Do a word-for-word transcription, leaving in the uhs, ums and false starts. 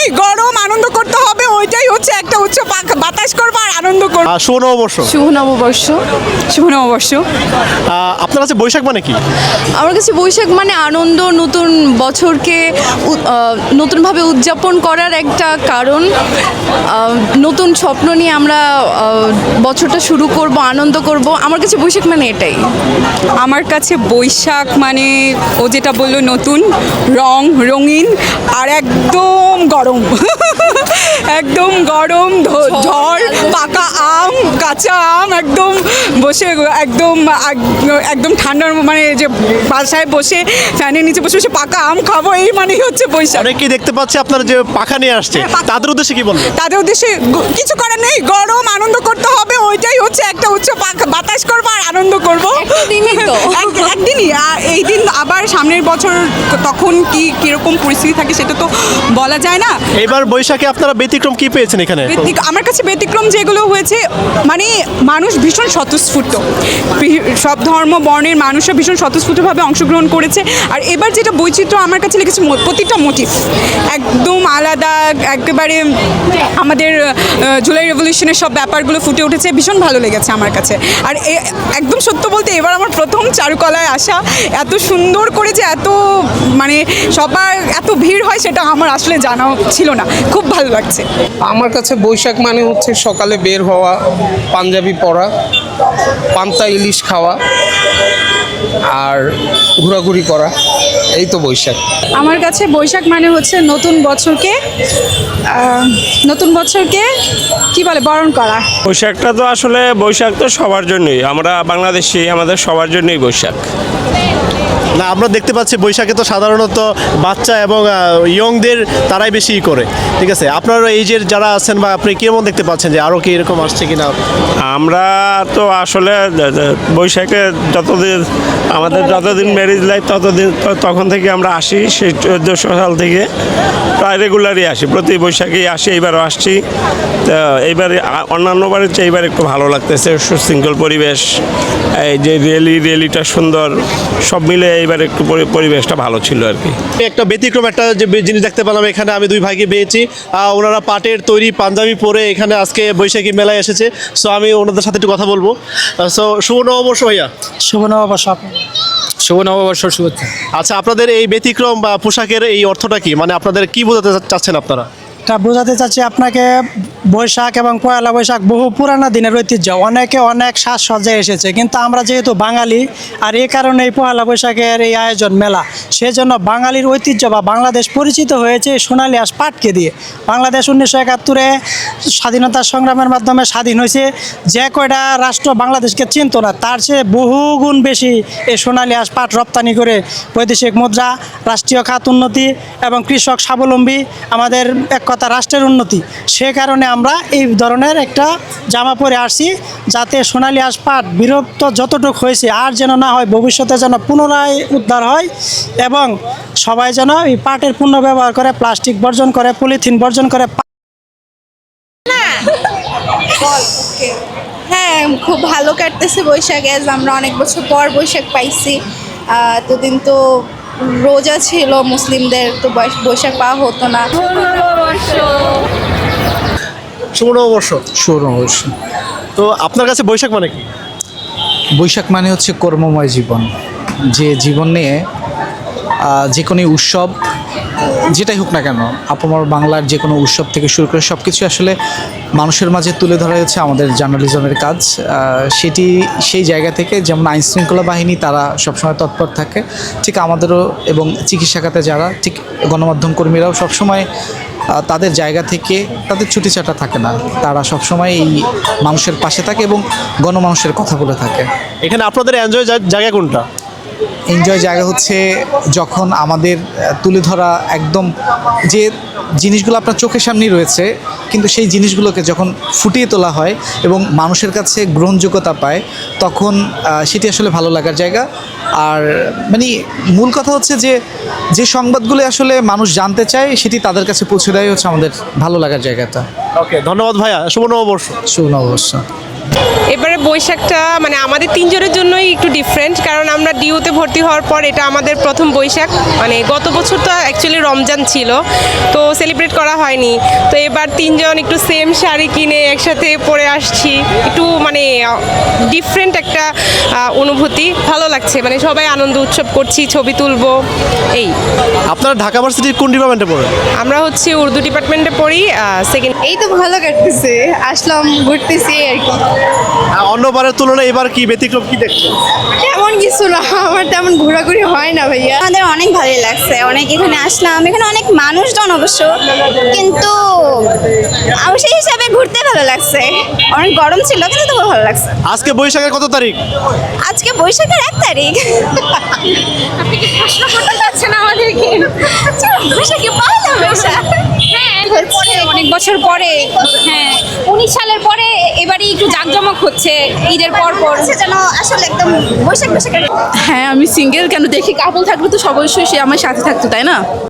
নেই, গরম, আনন্দ করতে হবে, ওইটাই হচ্ছে একটা উচ্চ পাক- বাতাস করবো আর আনন্দ করবো। আহ, শুভ নববর্ষ। শুভ নববর্ষ। শুভ নববর্ষ। আহ, আপনার কাছে বৈশাখ মানে কি? আমার কাছে বৈশাখ মানে আনন্দ, নতুন বছরকে উ- আহ, নতুনভাবে উদযাপন করার একটা কারণ। আহ, নতুন স্বপ্ন নিয়ে আমরা আহ, বছরটা শুরু করব, আনন্দ করব। আমার কাছে বৈশাখ মানে এটাই। আমার কাছে বৈশাখ মানে ও যেটা বললো, নতুন রং, রঙিন আর একদম গরম। একদম গরম, ধ- ঝড়, পাকা আম, কাঁচা আম, একদম বসে একদম আগ- একদম ঠান্ডার মানে যে বাসায় বসে ফ্যানের নিচে বসে বসে পাকা আম খাবো, এই মানেই হচ্ছে বৈশাখ। অনেকেই দেখতে পাচ্ছি আপনার যে পাখা নিয়ে আসছে, হ্যাঁ, পাখা। তাদের উদ্দেশ্যে কি বলবেন? তাদের উদ্দেশ্যে গ- কিছু করার নেই, গরম, আনন্দ করতে হবে, ওইটাই হচ্ছে একটা উচ্চ পাক- বাতাস করবো আর আনন্দ করবো। একটা দিনই তো। এক- একদিনই, আর এই দিন আবার সামনের বছর তখন কি কিরকম পরিস্থিতি থাকে সেটা তো বলা যায় না। এবার বৈশাখে আপনারা ব্যতিক্রম কি পেয়েছেন এখানে? ব্যতিক- আমার কাছে ব্যতিক্রম যেগুলো হয়েছে, মানে মানুষ ভীষণ স্বতঃস্ফূর্ত, বি- সব ধর্ম বর্ণের মানুষরা ভীষণ স্বতঃস্ফূর্তভাবে অংশগ্রহণ করেছে। আর এবার যেটা বৈচিত্র্য আমার কাছে লেগেছে, মো- প্রতিটা মোটিভ একদম আলাদা, একেবারে আমাদের আহ, জুলাই রেভলিউশনের সব ব্যাপারগুলো ফুটে উঠেছে, ভীষণ ভালো লেগেছে আমার কাছে। আর এ- একদম সত্য বলতে এবার আমার প্রথম চারুকলায় আসা, এত সুন্দর করে যে এত মানে সবার এত ভিড় হয় সেটা আমার আসলে জানা ছিল না, খুব ভালো লাগছে। আমার কাছে বৈশাখ মানে হচ্ছে সকালে বের হওয়া, পাঞ্জাবি পরা, পান্তা ইলিশ খাওয়া আর ঘোরাঘুরি করা, এই তো বৈশাখ। আমার কাছে বৈশাখ মানে হচ্ছে নতুন বছরকে আহ, নতুন বছরকে কি বলে বরণ করা। বৈশাখটা তো আসলে বৈশাখ তো সবার জন্যই, আমরা বাংলাদেশি, আমাদের সবার জন্যই বৈশাখ। না, আমরা দেখতে পাচ্ছি বৈশাখে তো সাধারণত বাচ্চা এবং ইয়ংদের তারাই বেশি ই করে, ঠিক আছে? আপনার এই যে যারা আছেন বা আপনি কেমন দেখতে পাচ্ছেন যে আরও কি এরকম আসছে কিনা? আমরা তো আসলে দ- দ- বৈশাখে যতদিন আমাদের যতদিন ম্যারেজ লাইফ ততদিন তো- তখন থেকে আমরা আসি, সেই চোদ্দোশো সাল থেকে প্রায় রেগুলারই আসি, প্রতি বৈশাখেই আসি, এইবারও আসছি। তো এইবারে আ- অন্যান্য বারের চেয়ে এইবার একটু ভালো লাগতেছে, সুশৃঙ্খল পরিবেশ, এই যে রেলি রেলিটা সুন্দর, সব মিলে এইবার একটু পরি- পরিবেশটা ভালো ছিল আর কি। একটা ব্যতিক্রম একটা যে বে- জিনিস দেখতে পেলাম এখানে, আমি দুই ভাইকে পেয়েছি। আহ, ওনারা পাটের তৈরি পাঞ্জাবি পরে এখানে আজকে বৈশাখী মেলায় এসেছে। সো আমি ওনাদের সাথে একটু কথা বলবো। সো শুভ নববর্ষ ভাইয়া। শুভ নববর্ষ। শুভ নববর্ষ, শুভেচ্ছা। আচ্ছা, আপনাদের এই ব্যতিক্রম বা পোশাকের এই অর্থটা কি, মানে আপনাদের কি বোঝাতে চা- চাচ্ছেন আপনারা? এটা বোঝাতে চাচ্ছি আপনাকে, বৈশাখ এবং পয়লা বৈশাখ বহু পুরানো দিনের ঐতিহ্য, অনেকে অনেক সাজসজ্জায় এসেছে, কিন্তু আমরা যেহেতু বাঙালি আর এই কারণে এই পয়লা বৈশাখের এই আয়োজন মেলা, সেজন্য বাঙালির ঐতিহ্য বা বাংলাদেশ পরিচিত হয়েছে এই সোনালী আঁশ পাটকে দিয়ে। বাংলাদেশ উনিশশো একাত্তরে স্বাধীনতা সংগ্রামের মাধ্যমে স্বাধীন হয়েছে, যে কয়টা রাষ্ট্র বাংলাদেশকে চিনত না তার চেয়ে বহুগুণ বেশি এই সোনালী আঁশ পাট রপ্তানি করে বৈদেশিক মুদ্রা, রাষ্ট্রীয় খাত উন্নতি এবং কৃষক স্বাবলম্বী, আমাদের এক কথা রাষ্ট্রের উন্নতি। সে কারণে আমরা এই ধরনের একটা জামা পরে আসছি, যাতে সোনালী আঁশ পাট বিরক্ত যতটুকু হয়েছে আর যেন না হয়, ভবিষ্যতে যেন পুনরায় উদ্ধার হয় এবং সবাই যেন এই পাটের পণ্য ব্যবহার করে, প্লাস্টিক বর্জন করে, পলিথিন বর্জন করে। হ্যাঁ, খুব ভালো কাটতেছে বৈশাখ, এজ আমরা অনেক বছর পর বৈশাখ পাইছি। আহ, এতদিন তো রোজা ছিল মুসলিমদের, তো বৈশ- বৈশাখ পাওয়া হতো না। শুভ নববর্ষ। শুভ নববর্ষ। তো আপনার কাছে বৈশাখ মানে কি? বৈশাখ মানে হচ্ছে কর্মময় জীবন, যে জীবন নিয়ে আহ, যে কোনো উৎসব যেটাই হোক না কেন, আপামর বাংলার যে কোনো উৎসব থেকে শুরু করে সব কিছু আসলে মানুষের মাঝে তুলে ধরা হচ্ছে আমাদের জার্নালিজমের কাজ। আহ, সেটি সেই জায়গা থেকে, যেমন আইনশৃঙ্খলা বাহিনী তারা সবসময় তৎপর থাকে, ঠিক আমাদেরও এবং চিকিৎসা খাতে যারা, ঠিক গণমাধ্যম কর্মীরাও সবসময় আহ, তাদের জায়গা থেকে তাদের ছুটি ছাটা থাকে না, তারা সবসময় এই মানুষের পাশে থাকে এবং গণমানুষের কথা বলে থাকে। এখানে আপনাদের এনজয় জায়গা কোনটা? এনজয় জায়গা হচ্ছে যখন আমাদের আহ, তুলে ধরা একদম যে জিনিসগুলো আপনার চোখের সামনেই রয়েছে, কিন্তু সেই জিনিসগুলোকে যখন ফুটিয়ে তোলা হয় এবং মানুষের কাছে গ্রহণযোগ্যতা পায়, তখন আহ, সেটি আসলে ভালো লাগার জায়গা। আর মানে মূল কথা হচ্ছে যে যে সংবাদগুলো আসলে মানুষ জানতে চায় সেটি তাদের কাছে পৌঁছে দেয় হচ্ছে আমাদের ভালো লাগার জায়গাটা। ওকে, ধন্যবাদ ভাইয়া। শুভ নববর্ষ। শুভ নববর্ষ। এবারে বৈশাখটা মানে আমাদের তিনজনের জন্যই একটু ডিফারেন্ট, কারণ আমরা ডিউতে ভর্তি হওয়ার পর এটা আমাদের প্রথম বৈশাখ। মানে গত বছর তো অ্যাকচুয়ালি রমজান ছিল, তো সেলিব্রেট করা হয়নি। তো এবার তিনজন একটু সেম শাড়ি কিনে একসাথে পরে আসছি, একটু মানে ডিফারেন্ট একটা আহ, অনুভূতি, ভালো লাগছে। মানে সবাই আনন্দ উৎসব করছি, ছবি তুলবো এই। আপনারা ঢাকা ভার্সিটির কোন ডিপার্টমেন্টে পড়েন? আমরা হচ্ছে উর্দু ডিপার্টমেন্টে পড়ি, সেকেন্ড। এই তো ভালো কাটতেছে, আসলাম ঘুরতেছি আর কি। আহ, অন্যবারের তুলনায় এবার কি ব্যতিক্রম কি দেখছেন? তেমন কিছু না, আমার তেমন ঘোরাঘুরি হয় না ভাইয়া। আমাদের অনেক ভালোই লাগছে, অনেক এখানে আসলাম, এখানে অনেক মানুষজন অবশ্য, কিন্তু আমার সেই হিসাবে ঘুরতে ভালো লাগছে। অনেক গরম ছিল কিন্তু তবু ভালো লাগছে। আজকে বৈশাখের কত তারিখ? আজকে বৈশাখের এক তারিখ। আপনি কি প্রশ্ন করতে চাচ্ছেন আমাদেরকে? বৈশাখে পয়লা বৈশাখ। হ্যাঁ, পরে, অনেক বছর পরে, হ্যাঁ উনিশ সালের পরে এবারে একটু জাঁকজমক হচ্ছে ঈদের পর পর। যেন আসলে একদম বৈশাখ বৈশাখের। হ্যাঁ, আমি সিঙ্গেল কেন, দেখি কাপল থাকলে তো অবশ্যই সে আমার সাথে থাকতো, তাই না?